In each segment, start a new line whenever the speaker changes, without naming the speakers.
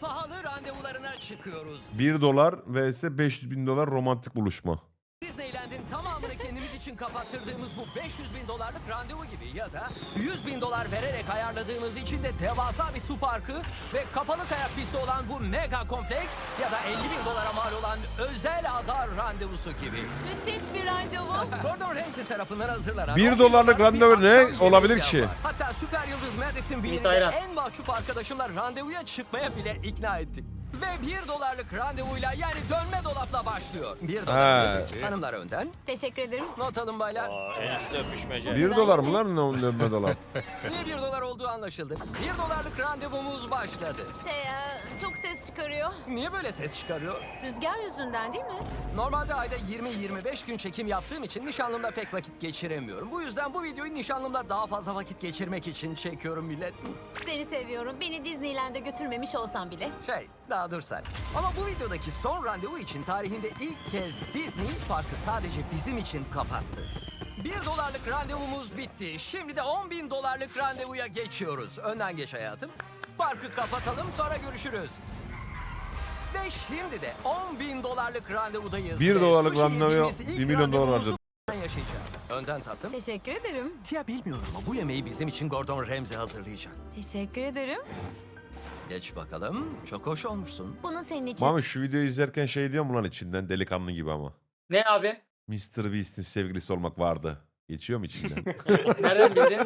Pahalı randevularına çıkıyoruz.
$1 vs $500.000 romantik buluşma.
Disneyland'in tamamını kendimiz için kapattırdığımız bu $500.000 randevu gibi ya da $100.000 vererek ayarladığımız için de devasa bir su parkı ve kapalı kayak pisti olan bu mega kompleks ya da $50.000 mal olan özel ada randevusu gibi.
Müthiş bir randevu.
Gordon Ramsay tarafından hazırlanan
$1 randevu
bir
ne
akşam
olabilir
yemeği
ki?
var. Hatta süper yıldız Madison Bean'i
ayran.
en mahcup arkadaşımla randevuya çıkmaya bile ikna ettik. Ve $1 randevuyla yani dönme dolapla başlıyor. $1 hanımlar önden.
Teşekkür ederim.
Not alın baylar.
En üstte öpüşmece.
$1 mı lan ne dolar?
Niye $1 olduğu anlaşıldı. $1 randevumuz başladı.
Çok ses çıkarıyor.
Niye böyle ses çıkarıyor?
Rüzgar yüzünden değil mi?
Normalde ayda 20-25 gün çekim yaptığım için nişanlımla pek vakit geçiremiyorum. Bu yüzden bu videoyu nişanlımla daha fazla vakit geçirmek için çekiyorum millet.
Seni seviyorum. Beni Disneyland'e götürmemiş olsan bile.
Daha dur sen. Ama bu videodaki son randevu için tarihinde ilk kez Disney parkı sadece bizim için kapattı. $1 randevumuz bitti. Şimdi de $10.000 randevuya geçiyoruz. Önden geç hayatım. Parkı kapatalım sonra görüşürüz. Ve şimdi de $10.000 randevudayız.
$1
Ve sushi
randevuya
yediğimiz ilk
$1 milyon
randevumuzu
harcadı.
yaşayacağız. Önden tatlım.
Teşekkür ederim.
Tia bilmiyorum ama bu yemeği bizim için Gordon Ramsay hazırlayacak.
Teşekkür ederim.
Geç bakalım. Çok hoş olmuşsun.
Bunu senin için.
Mami şu videoyu izlerken şey diyor mu lan içinden delikanlı gibi ama.
Ne abi?
Mr. Beast'in sevgilisi olmak vardı. Geçiyor mu içinden?
Nereden bildin?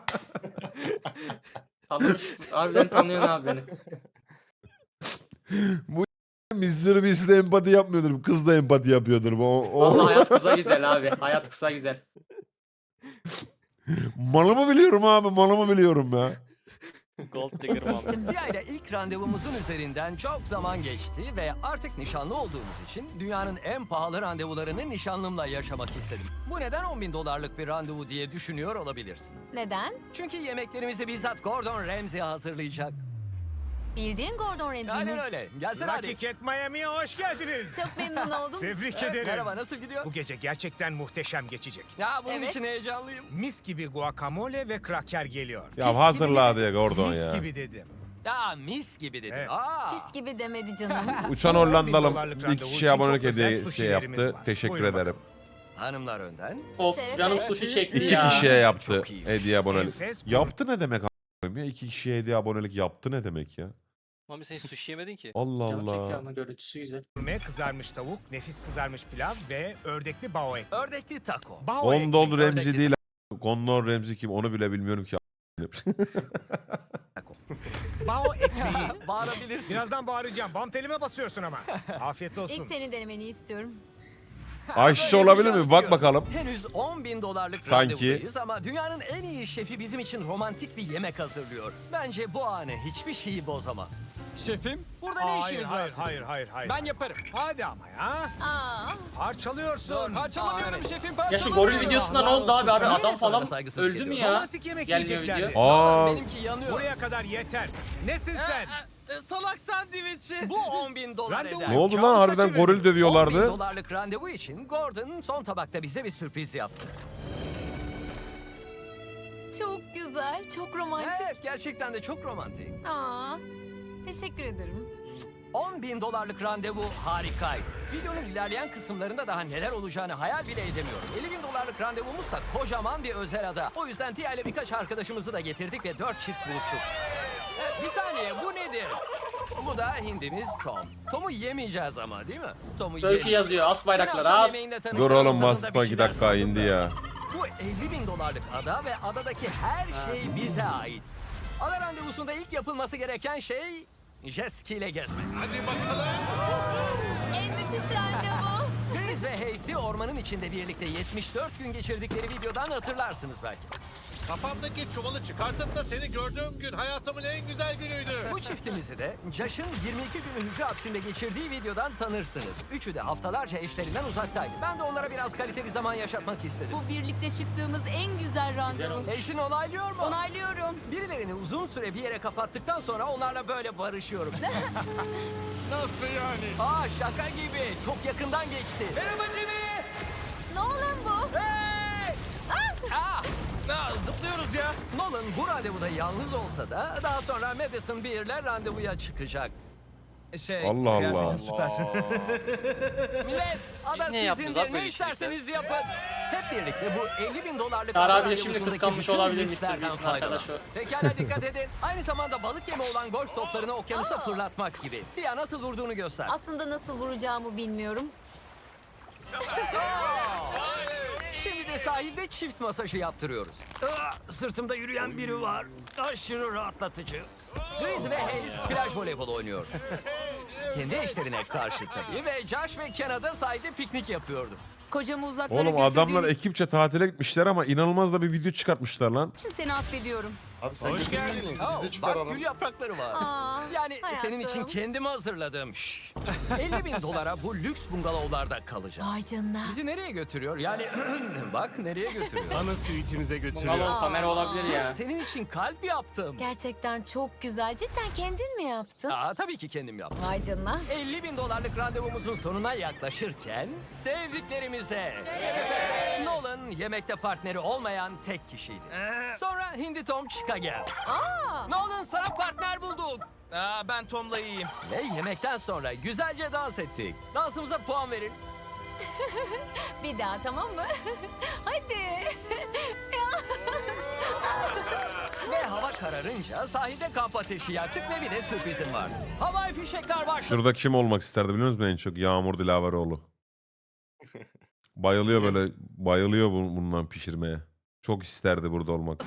Tanımış. Harbiden tanıyorsun abi beni.
Mr. Beast'le empati yapmıyordur. Kız da empati yapıyordur.
Vallahi hayat kısa güzel abi. Hayat kısa güzel.
Malımı biliyorum abi. Malımı biliyorum ya.
Gold digger
Seçtim.
Tia ile ilk randevumuzun üzerinden çok zaman geçti ve artık nişanlı olduğumuz için dünyanın en pahalı randevularını nişanlımla yaşamak istedim. Bu neden $10.000 bir randevu diye düşünüyor olabilirsin.
Neden?
Çünkü yemeklerimizi bizzat Gordon Ramsay hazırlayacak.
Bildiğin Gordon Ramsay
Aynen
mi?
öyle. Gelsene hadi.
Lucky Cat Miami'ye hoş geldiniz.
Çok memnun oldum.
Tebrik
Evet,
ederim.
merhaba, nasıl gidiyor?
Bu gece gerçekten muhteşem geçecek.
Ya bunun
Evet.
için heyecanlıyım.
Mis gibi guacamole ve kraker geliyor.
Ya hazırla diye Gordon
Mis
ya.
gibi dedim.
Ya mis gibi dedim.
Evet.
Pis gibi demedi canım.
Uçan Hollandalım
$10.000
bir
randevu
kişiye
için
abonelik
çok özel
hediyesi
sushi'lerimiz
yaptı.
var.
Teşekkür
Buyurun
ederim.
bakalım.
Hanımlar önden.
Of
Şerefe.
canım sushi çekti
İki
ya.
kişiye yaptı
Çok iyi.
hediye abonelik.
Enfes
Yaptı ne demek a**ayım ya? 2 kişiye hediye abonelik yaptı ne demek ya?
Mami sen sushi yemedin ki.
Allah
Canım çekiyor
Allah.
ama görüntüsü güzel.
gurme, kızarmış tavuk, nefis kızarmış pilav ve ördekli bao ekmeği.
Ördekli taco.
Bao
Gondol
ekmeği,
Remzi
ördekli
değil. Gondol Remzi kim onu bile bilmiyorum ki.
bao ekmeği.
Bağırabilirsin.
Birazdan bağıracağım. Bam telime basıyorsun ama. Afiyet olsun.
İlk senin denemeni istiyorum.
Ayşe olabilir mi? Bak bakalım.
Henüz $10.000
Sanki.
randevudayız ama dünyanın en iyi şefi bizim için romantik bir yemek hazırlıyor. Bence bu anı hiçbir şeyi bozamaz.
Şefim
Burada ne
Hayır,
işiniz var
hayır,
sizin?
hayır.
ben yaparım.
Hadi ama ya.
Aa,
Parçalıyorsun.
Parçalamıyorum
evet.
şefim
Ya
parçalamıyorum.
şu goril videosunda ne oldu abi? Abi
Niye
adam
sana
falan
saygısızlık
öldü mü
ediyorsun?
ya?
Romantik yemek
Gelmiyor
yiyeceklerdi.
video.
Aa,
Benimki yanıyor.
Buraya kadar yeter. Nesin sen?
Salak sandviçi.
Bu $10.000
Randevu
eder.
ne oldu lan
Kabusa
harbiden
çevirdin.
goril dövüyorlardı.
$10.000 randevu için Gordon son tabakta bize bir sürpriz yaptı.
çok güzel, çok romantik.
Evet, gerçekten de çok romantik.
Aa, teşekkür ederim.
$10.000 randevu harikaydı. Videonun ilerleyen kısımlarında daha neler olacağını hayal bile edemiyorum. $50.000 randevumuzsa kocaman bir özel ada. O yüzden Tia ile birkaç arkadaşımızı da getirdik ve 4 çift buluştuk. Evet, bir saniye, bu nedir? Bu da hindimiz Tom. Tom'u yemeyeceğiz ama değil mi? Tom'u
Turkey yazıyor. As bayrakları as.
Dur oğlum basma 2 dakika indi ya.
Bu $50.000 ada ve adadaki her şey bize ait. Ada randevusunda ilk yapılması gereken şey jet ski ile gezmek.
En müthiş randevu.
Deniz ve Hayes'i ormanın içinde birlikte 74 gün geçirdikleri videodan hatırlarsınız belki.
Kafamdaki çuvalı çıkartıp da seni gördüğüm gün hayatımın en güzel günüydü.
Bu çiftimizi de Josh'ın 22 günü hücre hapsinde geçirdiği videodan tanırsınız. Üçü de haftalarca eşlerinden uzaktaydı. Ben de onlara biraz kaliteli zaman yaşatmak istedim.
Bu birlikte çıktığımız en güzel randevu.
Eşin onaylıyor mu?
Onaylıyorum.
Birilerini uzun süre bir yere kapattıktan sonra onlarla böyle barışıyorum.
Nasıl yani?
Aa, şaka gibi. Çok yakından geçti.
Merhaba Jimmy.
Nolan bu.
Aa!
Zıplıyoruz ya.
Nolan bu randevuda yalnız olsa da daha sonra Madison Beer'le randevuya çıkacak.
Allah Allah.
kıyafetin süper.
Millet, ada
niye yapıyoruz
sizindir.
abi böyle
Ne
işleri?
isterseniz yapın. Hep birlikte bu 50 bin dolarlık
Çağrı
ada
abi de şimdi
randevusundaki
kıskanmış
bütün
olabilir
lükslerden
Mr. Beast'in
faydalan.
arkadaşı.
Pekala dikkat edin. Aynı zamanda balık yemi olan golf toplarını okyanusa fırlatmak gibi. Tia nasıl vurduğunu göster.
Aslında nasıl vuracağımı bilmiyorum.
Şimdi de sahilde çift masajı yaptırıyoruz. Sırtımda yürüyen biri var. Aşırı rahatlatıcı. Griz ve Hayes plaj voleybolu oynuyor. Kendi eşlerine karşı tabii. Ve Josh ve Kena'da sahilde piknik yapıyordu.
Kocamı uzaklara
Oğlum adamlar
götürdüğün
ekipçe tatile gitmişler ama inanılmaz da bir video çıkartmışlar lan.
için seni affediyorum.
Abi sen
Hoş geldin.
geldiniz.
Oh,
Biz de
bak
çıkaralım.
gül yaprakları var.
Aa,
Yani senin için
hayatım.
kendimi hazırladım. Şşş. 50 bin dolara bu lüks bungalovlarda kalacağız.
Vay canına.
Bizi nereye götürüyor? Yani bak nereye götürüyor.
Ana suitimize götürüyor.
Bungalov kamera olabilir ya.
Senin için kalp yaptım.
Gerçekten çok güzel. Cidden kendin mi yaptın?
Tabii ki kendim yaptım.
Vay canına.
50 bin dolarlık randevumuzun sonuna yaklaşırken sevdiklerimize. Nolan yemekte partneri olmayan tek kişiydi. Sonra Hindi Tom Chica geldi. Nolan sana partner bulduk.
Ben Tom'la iyiyim.
Ve yemekten sonra güzelce dans ettik. Dansımıza puan verin.
Bir daha tamam mı? Hadi.
Ve hava kararınca sahilde kamp ateşi yaktık ve bir de sürprizim vardı. Havai fişekler başladı.
Şurada kim olmak isterdi biliyor musun en çok? Yağmur Dilaveroğlu. Bayılıyor böyle, bayılıyor bundan pişirmeye. Çok isterdi burada olmak.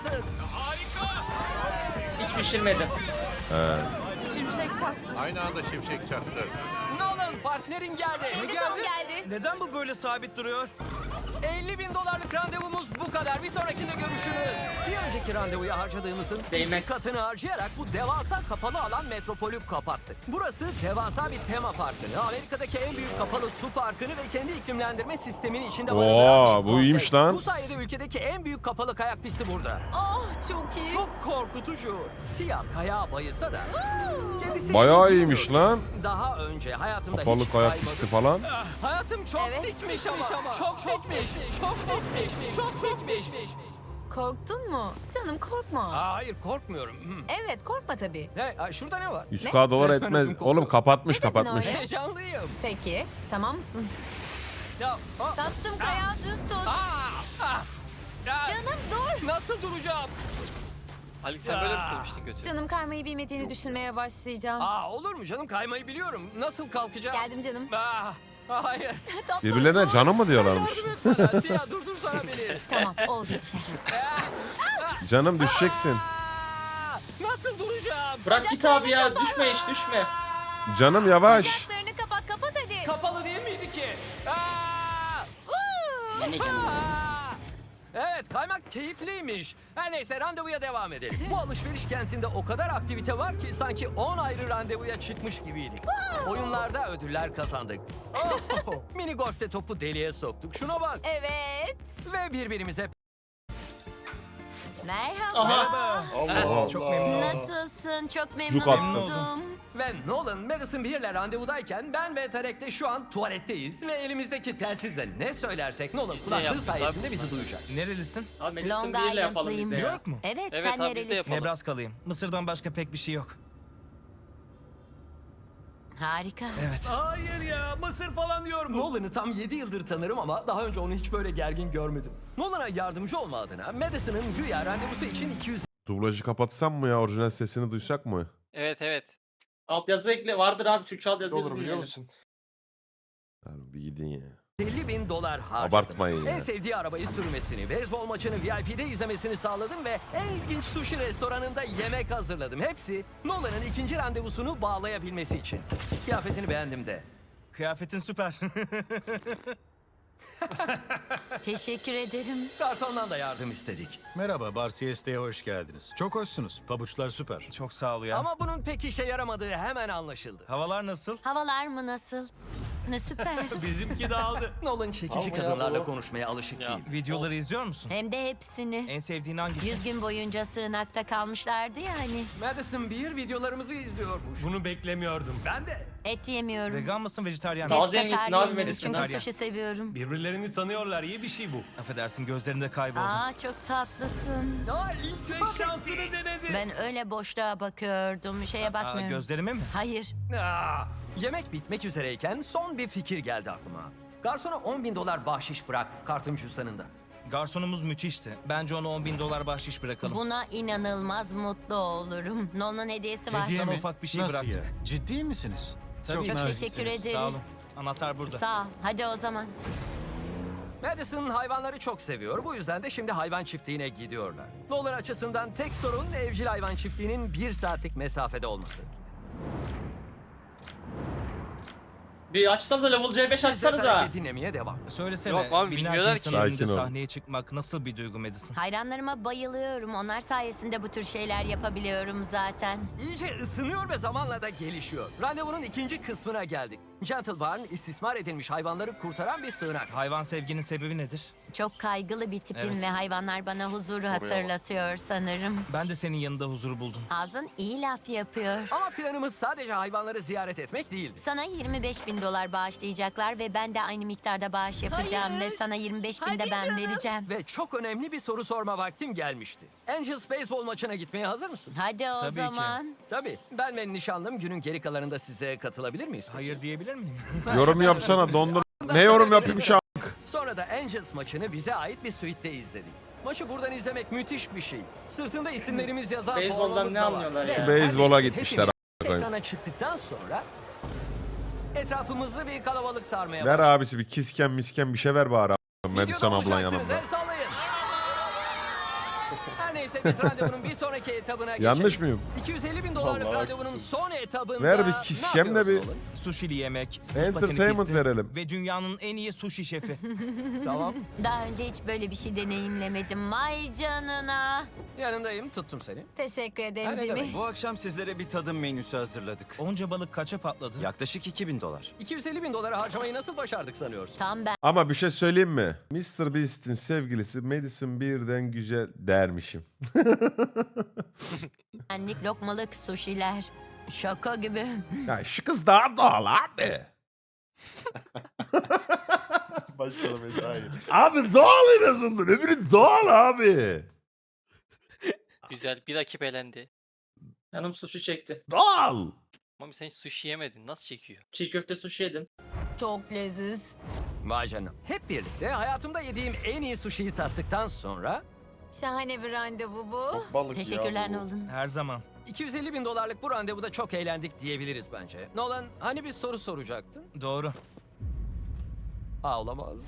Hiç pişirmedim.
Şimşek çaktı.
Aynı anda şimşek çaktı.
Nolan partnerin geldi.
Hindi Tom geldi.
Neden bu böyle sabit duruyor?
50 bin dolarlık randevumuz bu kadar. Bir sonrakinde görüşürüz. Bir önceki randevuya harcadığımızın
Değmez.
2 katını harcayarak bu devasa kapalı alan metropolü kapattık. Burası devasa bir tema parkını, Amerika'daki en büyük kapalı su parkını ve kendi iklimlendirme sisteminin içinde barındıran bir
bu iyiymiş
kompleks.
lan.
Bu sayede ülkedeki en büyük kapalı kayak pisti burada.
Oh çok iyi.
Çok korkutucu. Tia kayağa bayılsa da kendisi
Bayağı
için
iyiymiş
bilmiyor.
lan.
Daha önce hayatımda
Kapalı
hiç
kayak
kaymadım.
pisti falan.
Hayatım çok
Evet.
dikmiş ama. Çok dikmiş. Çok dikmiş. Çok dikmiş.
Korktun mu? Canım korkma.
Hayır korkmuyorum.
Evet korkma tabii.
Şurada ne var?
100k dolar
Resmen
etmez.
ödüm kopuyor.
Oğlum kapatmış
Ne dedin
kapatmış.
öyle?
Heyecanlıyım.
Peki tamam mısın?
Ya,
Tattım kayağı düz tut.
Canım
dur.
Nasıl duracağım?
Ali sen böyle mi kılmıştın kötü?
Canım kaymayı bilmediğini düşünmeye başlayacağım.
Olur mu canım kaymayı biliyorum. Nasıl kalkacağım?
Geldim canım.
Hayır.
Tatlım,
Birbirlerine
dur.
canım mı diyorlarmış?
Yardım et bana. Tia durdursana beni.
Tamam oldu işte.
Canım düşeceksin.
Nasıl duracağım?
Bırak git abi ya. Düşme hiç düşme.
Canım yavaş.
Bacaklarını kapat hadi.
Kapalı değil miydi ki? Evet kaymak keyifliymiş. Her neyse randevuya devam edelim. Bu alışveriş kentinde o kadar aktivite var ki sanki 10 ayrı randevuya çıkmış gibiydik. Oyunlarda ödüller kazandık. Mini golfte topu deliğe soktuk. Şuna bak.
Evet.
Ve birbirimize
Merhaba.
Aha.
Allah Allah.
Çok memnun oldum.
Nasılsın? Çok
Cuk
memnun
attı.
oldum.
ve Nolan Madison Beer'le randevudayken ben ve Tarek de şu an tuvaletteyiz ve elimizdeki telsizle ne söylersek Nolan kulaklığı
yapacağız abi
sayesinde
bunlar?
bizi duyacak.
Nerelisin?
Abi Madison
Long
Beer'le yapalım biz
Island'lıyım.
de
New
ya.
York mu?
Evet,
Evet
sen
abi, biz de
nerelisin?
yapalım.
Nebraskalıyım. Mısır'dan başka pek bir şey yok.
Harika.
Evet.
Hayır ya Mısır falan diyor bu. Nolan'ı tam 7 yıldır tanırım ama daha önce onu hiç böyle gergin görmedim. Nolan'a yardımcı olma adına Madison'ın güya randevusu için 200
Dublajı kapatsam mı ya? Orijinal sesini duysak mı?
Evet evet.
Altyazı ekle. Vardır abi. Türkçe
Ne
altyazı
olur biliyor
dinleyelim.
musun?
Abi bir gidin ya.
50 bin dolar harcadım.
Abartmayın ya.
En sevdiği arabayı sürmesini, beyzbol maçını VIP'de izlemesini sağladım ve en ilginç sushi restoranında yemek hazırladım. Hepsi Nolan'ın ikinci randevusunu bağlayabilmesi için. Kıyafetini beğendim de.
Kıyafetin süper.
Teşekkür ederim.
Garsondan da yardım istedik.
Merhaba, Bar Siesta'ya hoş geldiniz. Çok hoşsunuz. Pabuçlar süper.
Çok sağ ol ya.
Ama bunun pek işe yaramadığı hemen anlaşıldı.
Havalar nasıl?
Havalar mı nasıl? Ne süper.
Bizimki de aldı.
Nolan çekici kadınlarla konuşmaya alışık değil.
Videoları izliyor musun?
Hem de hepsini.
En sevdiğin hangisi?
100 gün boyunca sığınakta kalmışlardı ya hani.
Madison Beer videolarımızı izliyormuş.
Bunu beklemiyordum.
Ben de.
Et yemiyorum.
Vegan mısın, vejetaryen
Daha
misin?
zenginsin abi
Pescataryenim,
Madison.
çünkü
Vejetaryen.
sushi seviyorum.
Birbirlerini tanıyorlar, iyi bir şey bu. Affedersin, gözlerinde kayboldum.
Aa çok tatlısın.
Ya iltifat
şansını
etti.
denedi.
Ben öyle boşluğa bakıyordum. Şeye bakmıyorum.
Gözlerime mi?
Hayır.
Yemek bitmek üzereyken son bir fikir geldi aklıma. Garsona $10.000 bahşiş bırak kartın cüzdanında.
Garsonumuz müthişti. Bence ona $10.000 bahşiş bırakalım.
Buna inanılmaz mutlu olurum. Nolan'ın hediyesi var.
Sana ufak bir şey
Nasıl
bıraktık.
ya? Ciddi misiniz?
Tabii.
Çok
naziksiniz.
teşekkür ederiz.
Sağ olun. Anahtar burada.
Sağ ol. Hadi o zaman.
Madison hayvanları çok seviyor. Bu yüzden de şimdi hayvan çiftliğine gidiyorlar. Nolan açısından tek sorun evcil hayvan çiftliğinin 1 saatlik mesafede olması.
Bir açsanıza level C5
Biz de
açsanıza.
tabii dinlemeye devam.
Söylesene,
Yok abi,
binlerce
bilmiyorlar
insanın
ki.
önünde
Sakin ol.
sahneye çıkmak nasıl bir duygu Madison?
Hayranlarıma bayılıyorum. Onlar sayesinde bu tür şeyler yapabiliyorum zaten.
İyice ısınıyor ve zamanla da gelişiyor. Randevunun ikinci kısmına geldik. Gentle Barn istismar edilmiş hayvanları kurtaran bir sığınak.
Hayvan sevginin sebebi nedir?
Çok kaygılı bir tipim
Evet.
ve hayvanlar bana huzuru hatırlatıyor sanırım.
Ben de senin yanında huzur buldum.
Ağzın iyi laf yapıyor.
Ama planımız sadece hayvanları ziyaret etmek değildi.
Sana $25.000 bağışlayacaklar ve ben de aynı miktarda bağış yapacağım
Hayır.
ve sana 25.000 de
Hadi
ben
canım.
vereceğim.
Ve çok önemli bir soru sorma vaktim gelmişti. Angels beyzbol maçına gitmeye hazır mısın?
Hadi o
Tabii ki.
zaman.
Tabii. Ben ve nişanlım günün geri kalanında size katılabilir miyiz?
Hayır diyebilir miyim?
Yorum yapsana dondur. Ne yorum yapayım şu an?
Sonra da Angels maçını bize ait bir suite'de izledik. Maçı buradan izlemek müthiş bir şey. Sırtında isimlerimiz yazan
Beyzboldan
formamız
ne
da var.
anlıyorlar
Ve
ya?
Beyzbola
neredeyse
gitmişler,
hepimiz
a**ına
ekrana çıktıktan sonra etrafımızı bir kalabalık sarmaya
Ver
başladı.
abisi bir kisken misken bir şey ver bari. Madison
Videoda
ablan
olacaksınız,
yanımda.
el sallayın. Her neyse biz randevunun bir sonraki etabına geçelim.
Yanlış mıyım?
$250.000 randevunun son etabında
Ver bir
ne
kiskem de
yapıyoruz
bir-
oğlum?
Sushili yemek, buz
Entertainment
pateni pisti
verelim.
ve dünyanın en iyi sushi şefi. Tamam.
Daha önce hiç böyle bir şey deneyimlemedim. Vay canına.
Yanındayım, tuttum seni.
Teşekkür
Ha,
ederim
ne
Jimmy.
demek?
Bu akşam sizlere bir tadım menüsü hazırladık.
Onca balık kaça patladı?
Yaklaşık $2.000.
$250.000 harcamayı nasıl başardık sanıyorsun?
Tam
Ama bir şey söyleyeyim mi? Mr. Beast'in sevgilisi Madison birden güzel dermişim.
benlik lokmalık sushiler. Şaka gibi.
Ya şu kız daha doğal abi. Abi doğal en azından. Öbürü doğal abi.
Güzel. Bir rakip elendi.
Canım sushi çekti.
Doğal.
Mami sen hiç sushi yemedin. Nasıl çekiyor?
Çiğ köfte sushi yedim.
Çok leziz.
Vay canına. Hep birlikte hayatımda yediğim en iyi sushi'yi tattıktan sonra
Şahane bir randevu bu.
Teşekkürler Nolan.
Her zaman.
$250.000 bu randevuda çok eğlendik diyebiliriz bence. Nolan hani bir soru soracaktın?
Doğru.
Olamaz.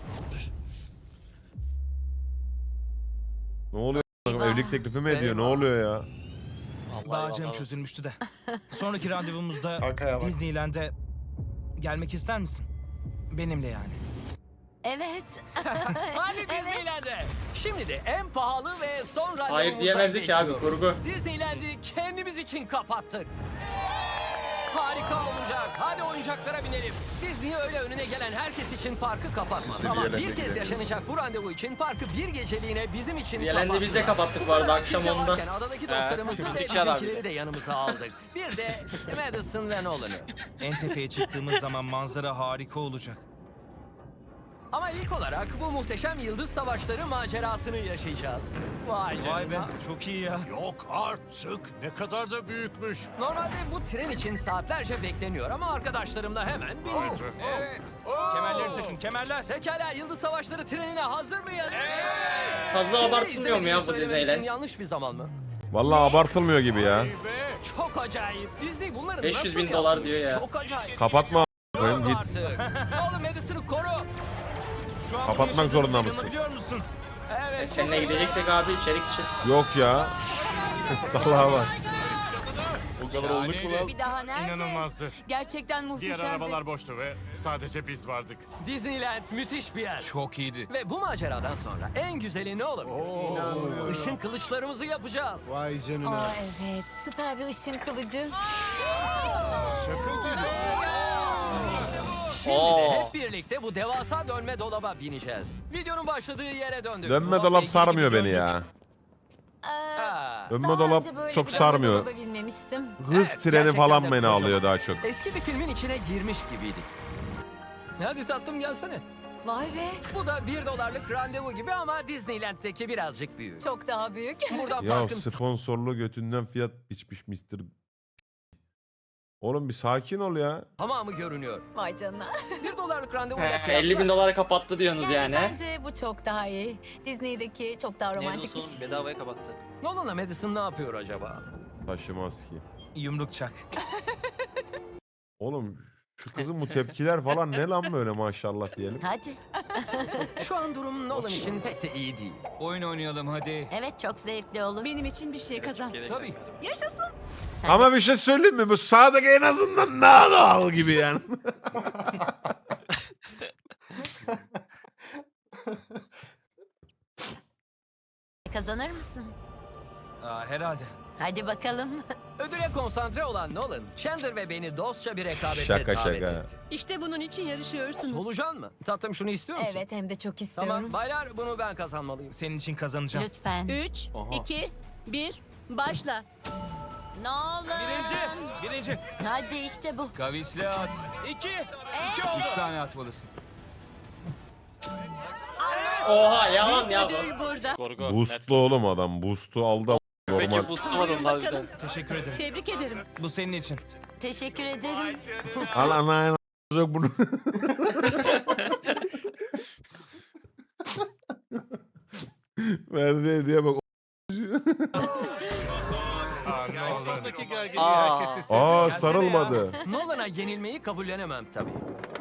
Ne oluyor?
Eyvah.
Evlilik teklifi mi ediyor? Ne
Eyvah.
oluyor ya?
Allah
Bağcığım
Allah.
çözülmüştü de. Sonraki randevumuzda Disneyland'e gelmek ister misin? Benimle yani.
Evet.
Hadi Disneyland'e. Şimdi de en pahalı ve son randevumuza
Hayır diyemezdik ki abi,
geçiyoruz.
kurgu.
Disneyland'i kendimiz için kapattık. Harika olacak. Hadi oyuncaklara binelim. Disney öyle önüne gelen herkes için parkı kapatmaz. Ama bir kez yaşanacak bu randevu için parkı bir geceliğine bizim için
Diğerlerini biz de kapattık bu arada akşam
Kimse
10'da.
varken adadaki dostlarımızı ve
Gittikçe adam
bizimkileri
bir
de yanımıza aldık. Bir de Madison ve Nolan'ı.
En tepeye çıktığımız zaman manzara harika olacak.
Ama ilk olarak bu muhteşem yıldız savaşları macerasını yaşayacağız. Vay canına.
Vay be, çok iyi ya.
Yok artık. Ne kadar da büyükmüş.
Normalde bu tren için saatlerce bekleniyor ama arkadaşlarımla hemen bindik. Evet.
Kemerleri takın, kemerler.
Pekala yıldız savaşları trenine hazır mıyız?
Fazla
Şimdi
abartılmıyor mu ya bu
izlemediğimi söylemek için
Disneyland?
yanlış bir zaman mı?
Vallahi abartılmıyor gibi ya.
Çok acayip. Disney bunları
500
nasıl
bin dolar
yapmış?
diyor ya.
Çok acayip.
Kapatma a**ayım,
Yok
git.
artık. Oğlum Madison'ı koru.
Şu an
Kapatmak
bunu yaşadığımıza
zorunda mısın?
inanabiliyor musun?
Evet.
Seninle gideceksek abi içerik için.
Yok ya. Salaha bak.
Bir daha nerede?
İnanılmazdı.
Gerçekten
Diğer
muhteşemdi.
arabalar boştu ve sadece biz vardık.
Disneyland müthiş bir yer.
Çok iyiydi.
Ve bu maceradan sonra en güzeli ne olabilir? Işın kılıçlarımızı yapacağız.
Vay
Aa
canına.
evet. Süper bir ışın kılıcı.
Şaka gibi.
Şimdi
Oo.
de birlikte bu devasa dönme dolaba bineceğiz. Videonun başladığı yere döndük.
Dönme
Dolapla
dolap
ilgili
sarmıyor
bir
beni
döndük.
ya.
Ha.
Dönme
Daha
dolap
önce böyle
çok
bir
sarmıyor.
dolaba binmemiştim.
Hız
Evet,
treni
gerçekten
falan
de
beni
kocaman.
alıyor daha çok.
Eski bir filmin içine girmiş gibiydik. Hadi tatlım gelsene.
Vay be.
Bu da $1 randevu gibi ama Disneyland'deki birazcık büyük.
Çok daha büyük.
Buradan
Ya
parkın
sponsorlu götünden fiyat biçmiş Mr. Oğlum bir sakin ol ya.
tamamı görünüyor.
Vay canına.
$1 randevu ile
50 bin dolara kapattı diyorsunuz
Yani
yani.
bence bu çok daha iyi. Disney'deki çok daha romantikmiş.
Nelson bedavaya kapattı.
Nolan'la Madison ne yapıyor acaba?
Taşımaz ki.
Yumruk çak.
Oğlum şu kızın bu tepkiler falan ne lan böyle maşallah diyelim.
Hadi.
Şu an durum Nolan için pek de iyi değil.
Oyun oynayalım hadi.
Evet, çok zevkli olur.
Benim için bir şey kazan.
Tabii.
Sen
Ama bir şey söyleyeyim mi? Bu sağdaki en azından daha doğal gibi yani.
kazanır mısın?
Herhalde.
Hadi bakalım.
Ödüle konsantre olan Nolan, Chandler ve beni dostça bir rekabete
Şaka
davet
şaka.
etti.
İşte bunun için yarışıyorsunuz.
Solucan mı? Tatlım şunu istiyor musun?
Evet, hem de çok istiyorum.
Tamam baylar bunu ben kazanmalıyım.
Senin için kazanacağım.
Lütfen.
3,
Aha.
2, 1, başla.
Ne olur.
Birinci.
Hadi işte bu.
Kavisli at. 2 tane atmalısın.
Oha yalan ya.
Ödül burada.
Gorgo.
Boostlu oğlum adam. Boost'u aldı. Normal.
Peki boost'u var onun harbiden.
Teşekkür ederim.
Tebrik ederim.
Bu senin için.
Teşekkür ederim.
Al ana yok bunu. Verdiği hediye bak.
Ortadaki gerginliği
Aa.
herkes hissediyor.
Aa sarılmadı.
Nolan'a yenilmeyi kabullenemem tabii.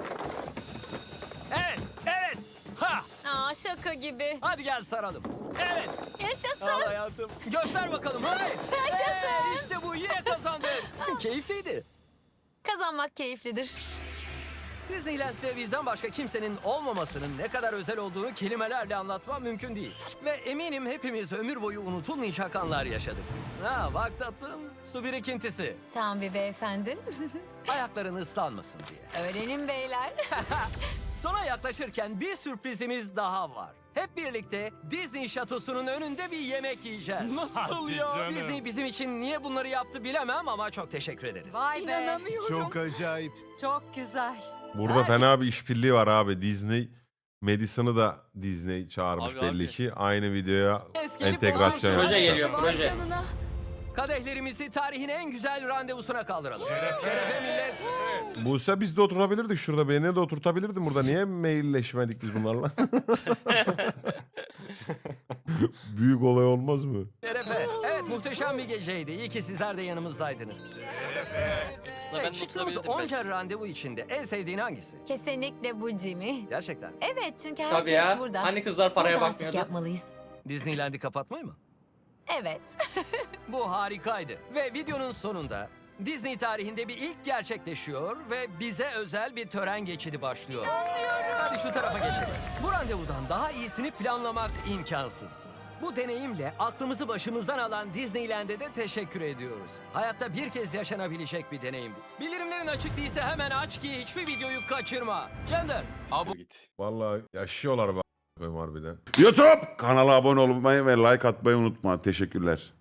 Evet, evet. Ha!
Aa, şaka gibi.
Hadi gel saralım. Evet.
Yaşasın.
Al hayatım. Göster bakalım. Hadi.
Yaşasın.
İşte bu yine kazandın. Keyifliydi.
Kazanmak keyiflidir.
Disneyland'de bizden başka kimsenin olmamasının ne kadar özel olduğunu kelimelerle anlatmam mümkün değil. Ve eminim hepimiz ömür boyu unutulmayacak anlar yaşadık. Ha bak tatlım, su birikintisi.
Tam bir beyefendi.
Ayakların ıslanmasın diye.
Öğrenin beyler.
Sona yaklaşırken bir sürprizimiz daha var. Hep birlikte Disney şatosunun önünde bir yemek yiyeceğiz. Nasıl ya? Disney bizim için niye bunları yaptı bilemem ama çok teşekkür ederiz.
Vay
İnanamıyorum.
Çok acayip.
Çok güzel.
Burada fena bir işbirliği var abi. Disney Madison'ı da Disney çağırmış
Abi,
belli
abi.
ki. Aynı videoya
Eski
entegrasyon
bulursun.
Proje
yapmışlar.
geliyor
Vay
proje.
canına.
Kadehlerimizi tarihin en güzel randevusuna kaldıralım. Şerefe millet.
Buse biz de oturabilirdik şurada. Beni de oturtabilirdin burada. Niye mailleşmedik biz bunlarla? Büyük olay olmaz mı?
Şerefe. Evet muhteşem bir geceydi. İyi ki sizler de yanımızdaydınız.
Aslında ben de
Çıktığımız
tutabilirdim
onca
belki.
randevu içinde en sevdiğin hangisi?
Kesinlikle bu Jimmy.
Gerçekten.
Evet, çünkü herkes
Tabii ya.
burada.
Hani kızlar paraya
Burada asık
bakmıyordu.
yapmalıyız.
Disneyland'i kapatmayı mı?
Evet.
Bu harikaydı. Ve videonun sonunda Disney tarihinde bir ilk gerçekleşiyor ve bize özel bir tören geçidi başlıyor. Hadi şu tarafa geçelim. Bu randevudan daha iyisini planlamak imkansız. Bu deneyimle aklımızı başımızdan alan Disneyland'e de teşekkür ediyoruz. Hayatta bir kez yaşanabilecek bir deneyim bu. Bildirimlerin açık değilse hemen aç ki hiçbir videoyu kaçırma. Chandler.
Vallahi yaşıyorlar bak harbiden. YouTube kanala abone olmayı ve like atmayı unutma. Teşekkürler.